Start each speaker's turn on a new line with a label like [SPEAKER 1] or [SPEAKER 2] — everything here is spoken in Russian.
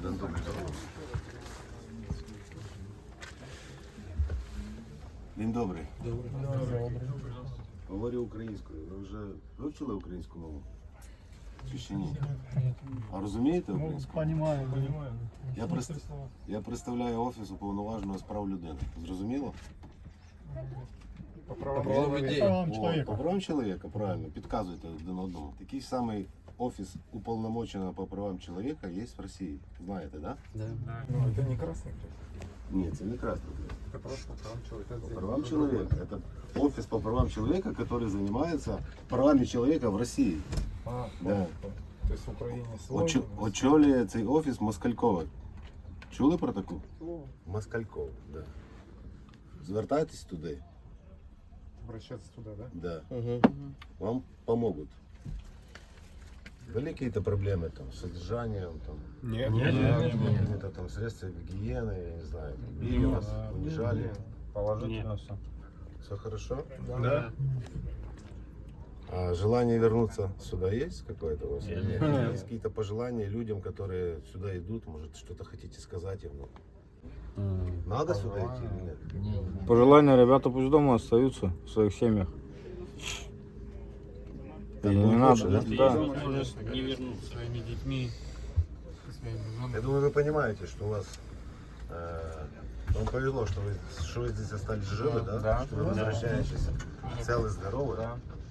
[SPEAKER 1] Один добрий. Він добрий. Говорю українською. Ви вже вивчили українську мову? Чи ще ні? А розумієте українську?
[SPEAKER 2] Понимаю.
[SPEAKER 1] Я представляю Офіс уповноваженого з прав людини. Зрозуміло?
[SPEAKER 2] По правам
[SPEAKER 1] О,
[SPEAKER 2] человека.
[SPEAKER 1] по правам чоловіка, правильно. Підказуйте один одному. Такий самий Офіс уполномоченного по правам чоловіка є в Росії. Знаєте, да?
[SPEAKER 3] Да.
[SPEAKER 2] Ну, это не красный крест.
[SPEAKER 1] Ні, це не Красний Крест.
[SPEAKER 2] Это просто по правам человека.
[SPEAKER 1] По правам человека. Это офис по правам человека, который занимается правами человека в России.
[SPEAKER 2] А,
[SPEAKER 1] Да.
[SPEAKER 2] то есть в Украине слово.
[SPEAKER 1] Очолює цей офіс Москалькова. Чули про таку? Москалькова, да. Звертайтесь туди.
[SPEAKER 2] Обращаться туда, да?
[SPEAKER 1] Да.
[SPEAKER 3] Угу.
[SPEAKER 1] Вам помогут. Были какие-то проблемы там, с содержанием, там,
[SPEAKER 2] Нет.
[SPEAKER 1] какими-то там средствами гигиены, я не знаю, били вас, унижали?
[SPEAKER 2] Положительно все.
[SPEAKER 1] Все хорошо?
[SPEAKER 2] Да.
[SPEAKER 1] А желание вернуться сюда есть какое-то у вас? Или нет? Есть какие-то пожелания людям, которые сюда идут? Может, что-то хотите сказать им? Надо сюда идти или нет?
[SPEAKER 4] Пожелания, ребята пусть дома остаются в своих семьях. И
[SPEAKER 1] Так
[SPEAKER 4] не
[SPEAKER 1] будет
[SPEAKER 4] надо,
[SPEAKER 1] лучше,
[SPEAKER 4] да?
[SPEAKER 5] Не вернуться своими детьми, своими женами.
[SPEAKER 1] Я думаю, вы понимаете, что у вас вам повезло, что вы здесь остались живы, да?
[SPEAKER 2] Да.
[SPEAKER 1] Что вы возвращаетесь целы, здоровы.
[SPEAKER 2] Да.